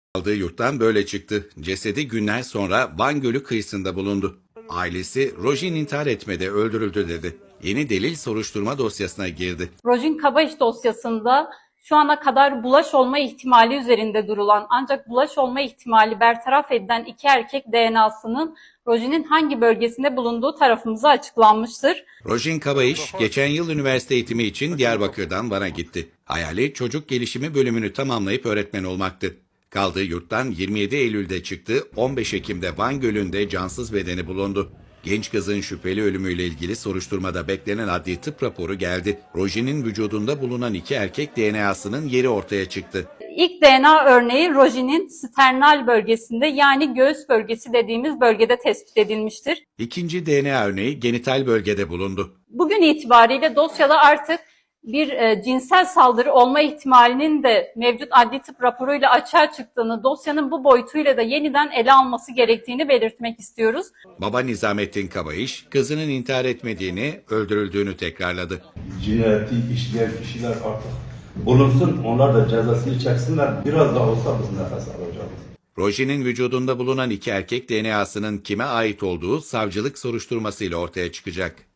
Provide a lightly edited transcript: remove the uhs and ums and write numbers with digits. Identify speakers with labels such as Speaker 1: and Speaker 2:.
Speaker 1: Kaldığı yurttan böyle çıktı. Cesedi günler sonra Van Gölü kıyısında bulundu. Ailesi Rojin intihar etmedi, öldürüldü dedi. Yeni delil soruşturma dosyasına girdi.
Speaker 2: Rojin Kabayiş dosyasında şu ana kadar bulaş olma ihtimali üzerinde durulan ancak bulaş olma ihtimali bertaraf edilen iki erkek DNA'sının Rojin'in hangi bölgesinde bulunduğu tarafımıza açıklanmıştır.
Speaker 1: Rojin Kabayiş geçen yıl üniversite eğitimi için Diyarbakır'dan Van'a gitti. Hayali çocuk gelişimi bölümünü tamamlayıp öğretmen olmaktı. Kaldığı yurttan 27 Eylül'de çıktı, 15 Ekim'de Van Gölü'nde cansız bedeni bulundu. Genç kızın şüpheli ölümüyle ilgili soruşturmada beklenen adli tıp raporu geldi. Rojin'in vücudunda bulunan iki erkek DNA'sının yeri ortaya çıktı.
Speaker 2: İlk DNA örneği Rojin'in sternal bölgesinde yani göğüs bölgesi dediğimiz bölgede tespit edilmiştir.
Speaker 1: İkinci DNA örneği genital bölgede bulundu.
Speaker 2: Bugün itibariyle dosyada artık bir cinsel saldırı olma ihtimalinin de mevcut adli tıp raporuyla açığa çıktığını, dosyanın bu boyutuyla da yeniden ele alması gerektiğini belirtmek istiyoruz.
Speaker 1: Baba Nizamettin Kabayiş, kızının intihar etmediğini, öldürüldüğünü tekrarladı.
Speaker 3: Cinayeti işleyen kişiler artık bulunsun, onlar da cezasını çeksinler. Biraz da olsa biz nefes alacağız.
Speaker 1: Rojin'in vücudunda bulunan iki erkek DNA'sının kime ait olduğu savcılık soruşturmasıyla ortaya çıkacak.